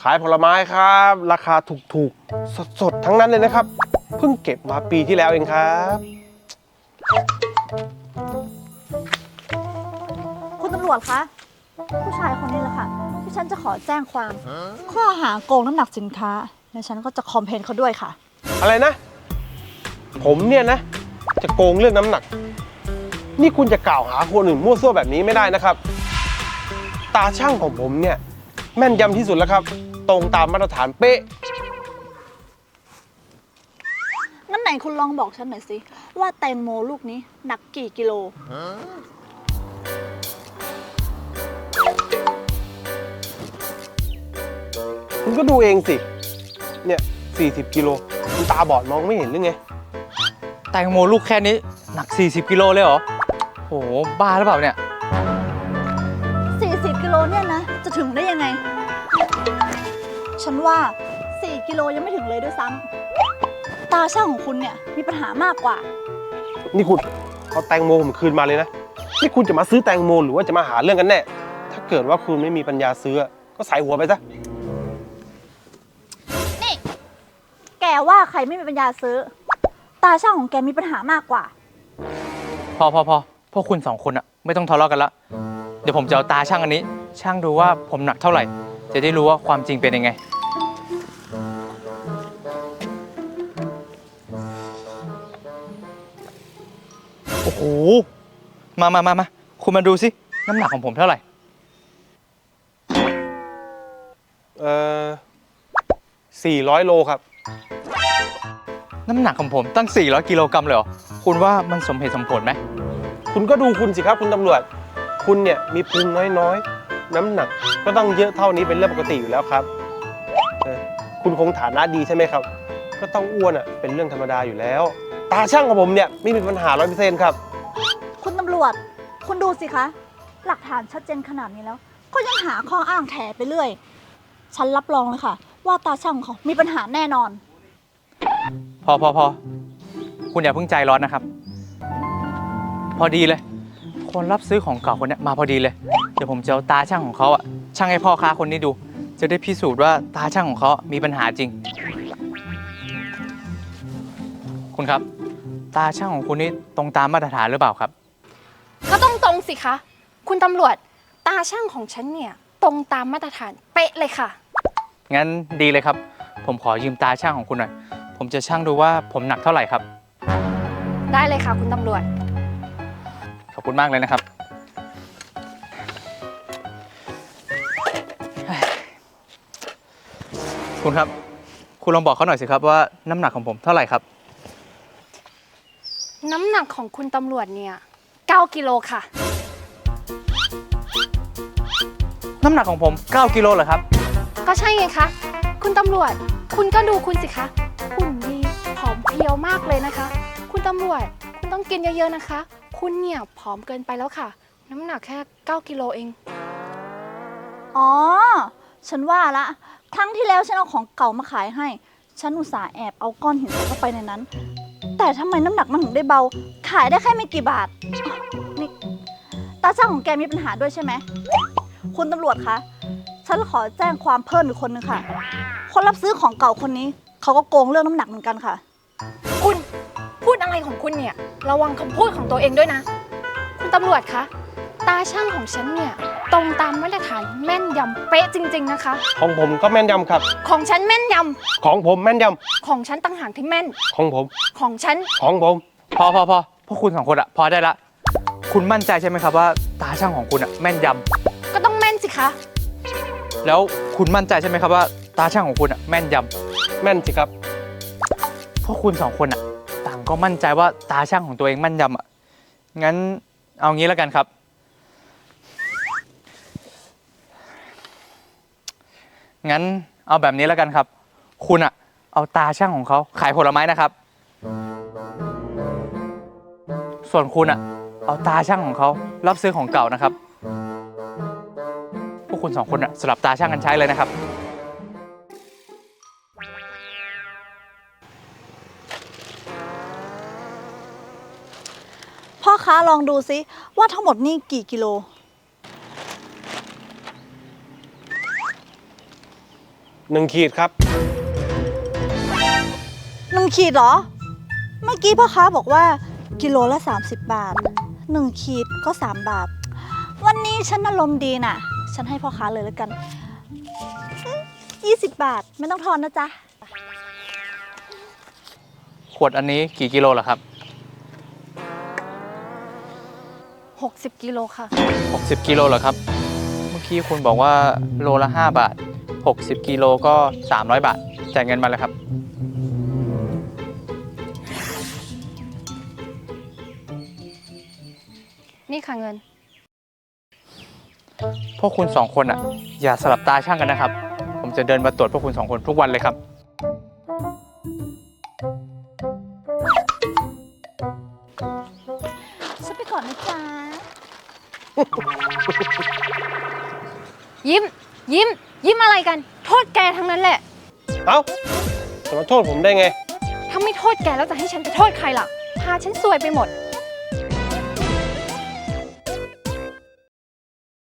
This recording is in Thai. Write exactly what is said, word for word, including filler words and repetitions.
ขายผลไม้ครับราคาถูกๆสดๆทั้งนั้นเลยนะครับเพิ่งเก็บมาปีที่แล้วเองครับคุณตำรวจคะผู้ชายคนนี้แหละค่ะที่ฉันจะขอแจ้งความข้อหาโกงน้ำหนักสินค้าและฉันก็จะคอมเพลนเขาด้วยค่ะอะไรนะผมเนี่ยนะจะโกงเรื่องน้ำหนักนี่คุณจะกล่าวหาคนอื่นมั่วซั่วแบบนี้ไม่ได้นะครับตาช่างของผมเนี่ยแม่นยำที่สุดแล้วครับตรงตามมาตรฐานเป๊ะงั้นไหนคุณลองบอกฉันหน่อยสิว่าแตงโมลูกนี้หนักกี่กิโลคุณก็ดูเองสิเนี่ยสี่สิบกิโลคุณตาบอดมองไม่เห็นหรือไงแตงโมลูกแค่นี้หนักสี่สิบกิโลเลยเหรอโหบ้าหรือเปล่าเนี่ยสี่สิบกิโลเนี่ยนะจะถึงได้ยังไงฉันว่าสี่กิโลยังไม่ถึงเลยด้วยซ้ำตาช่างของคุณเนี่ยมีปัญหามากกว่านี่คุณเอาแตงโมผมคืนมาเลยนะนี่คุณจะมาซื้อแตงโมหรือว่าจะมาหาเรื่องกันแน่ถ้าเกิดว่าคุณไม่มีปัญญาซื้อก็ใส่หัวไปซะนี่แกว่าใครไม่มีปัญญาซื้อตาช่างของแกมีปัญหามากกว่าพอพอพอพวกคุณสองคนอะไม่ต้องทะเลาะกันละเดี๋ยวผมจะเอาตาช่างอันนี้ช่างดูว่าผมหนักเท่าไหร่จะได้รู้ว่าความจริงเป็นยังไงโอ้โหมามามามาคุณมาดูสิน้ำหนักของผมเท่าไหร่เอ่อสี่ร้อยโลครับน้ำหนักของผมตั้งสี่ร้อยกิโลกรัมเลยเหรอคุณว่ามันสมเหตุสมผลไหมคุณก็ดูคุณสิครับคุณตำรวจคุณเนี่ยมีพุงน้อยๆน้ำหนักก็ต้องเยอะเท่านี้เป็นเรื่องปกติอยู่แล้วครับเออคุณคงฐานะดีใช่ไหมครับก็ต้องอ้วนอ่ะเป็นเรื่องธรรมดาอยู่แล้วตาช่างของผมเนี่ยไม่มีปัญหาร้อยเปอร์เซ็นต์ครับคุณตำรวจคุณดูสิคะหลักฐานชัดเจนขนาดนี้แล้วก็ยังหาข้ออ้างแถไปเรื่อยฉันรับรองเลยค่ะว่าตาช่างของเขามีปัญหาแน่นอนพอพอพอคุณอย่าเพิ่งใจร้อนนะครับพอดีเลยคนรับซื้อของเก่าคนนี้มาพอดีเลยเดี๋ยวผมจะเอาตาช่างของเขาอะช่างให้พ่อค้าคนนี้ดูจะได้พิสูจน์ว่าตาช่างของเขามีปัญหาจริงคุณครับตาช่างของคุณนี่ตรงตามมาตรฐานหรือเปล่าครับก็ต้องตรงสิคะคุณตำรวจตาช่างของฉันเนี่ยตรงตามมาตรฐานเป๊ะเลยค่ะงั้นดีเลยครับผมขอยืมตาช่างของคุณหน่อยผมจะช่างดูว่าผมหนักเท่าไหร่ครับได้เลยค่ะคุณตำรวจขอบคุณมากเลยนะครับคุณครับคุณลองบอกเขาหน่อยสิครับว่าน้ำหนักของผมเท่าไหร่ครับน้ำหนักของคุณตำรวจเนี่ยเก้ากิโลค่ะน้ำหนักของผมเก้ากิโลเหรอครับก็ใช่ไงคะคุณตำรวจคุณก็ดูคุณสิคะหุ่นดีผอมเพรียวมากเลยนะคะคุณตำรวจคุณต้องกินเยอะๆนะคะคุณเนี่ยผอมเกินไปแล้วค่ะน้ำหนักแค่เก้ากิโลเองอ๋อฉันว่าละครั้งที่แล้วฉันเอาของเก่ามาขายให้ฉันอุตส่าห์แอบเอาก้อนหินใส่เข้าไปในนั้นแต่ทำไมน้ำหนักมันถึงได้เบาขายได้แค่ไม่กี่บาทนี่ตาช่างของแกมีปัญหาด้วยใช่ไหมคุณตำรวจคะฉันขอแจ้งความเพิ่มอีกคนนึงค่ะคนรับซื้อของเก่าคนนี้เขาก็โกงเรื่องน้ำหนักเหมือนกันค่ะคุณพูดอะไรของคุณเนี่ยระวังคำพูดของตัวเองด้วยนะคุณตำรวจคะตาช่างของฉันเนี่ยตรงตามมาตรฐานแม่นยำเป๊ะจริงๆนะคะของผมก็แม่นยำครับของฉันแม่นยำของผมแม่นยำของฉันต่างหากที่แม่นของผมของฉันของผมพอพอพอพวกคุณสองคนอะพอได้ละคุณมั่นใจใช่ไหมครับว่าตาช่างของคุณอะแม่นยำก็ต้องแม่นสิคะแล้วคุณมั่นใจใช่ไหมครับว่าตาช่างของคุณอะแม่นยำแม่นสิครับพวกคุณสองคนอะต่างก็มั่นใจว่าตาช่างของตัวเองแม่นยำอะงั้นเอางี้แล้วกันครับงั้นเอาแบบนี้แล้วกันครับคุณอะเอาตาช่างของเขาขายผลไม้นะครับส่วนคุณอะเอาตาช่างของเขารับซื้อของเก่านะครับพวกคุณสองคนอะสลับตาช่างกันใช้เลยนะครับพ่อค้าลองดูซิว่าทั้งหมดนี่กี่กิโลหนึ่งขีดครับหนึ่งขีดเหรอ เมื่อกี้พ่อค้าบอกว่ากิโลละ สามสิบบาทหนึ่งขีดก็สามบาท วันนี้ฉันอารมณ์ดีน่ะ ฉันให้พ่อค้าเลยแล้วกันยี่สิบบาทไม่ต้องทอนนะจ๊ะขวดอันนี้กี่กิโลเหรอครับหกสิบกิโลค่ะหกสิบกิโลเหรอครับ เมื่อกี้คุณบอกว่าโลละห้าบาทหกสิบกิโลก็สามร้อยบาทจ่ายเงินมาเลยครับนี่ค่ะเงินพวกคุณสองคนอ่ะ อย่าสลับตาช่างกันนะครับ ผมจะเดินมาตรวจพวกคุณสองคนทุกวันเลยครับฉันไปก่อนนะจ๊ะยิ้ม ยิ้ม ยิ้มอะไรกัน โทษแกทั้งนั้นแหละเอ้าจะมาโทษผมได้ไงถ้าไม่โทษแกแล้วจะให้ฉันไปโทษใครล่ะ พาฉันซวยไปหมด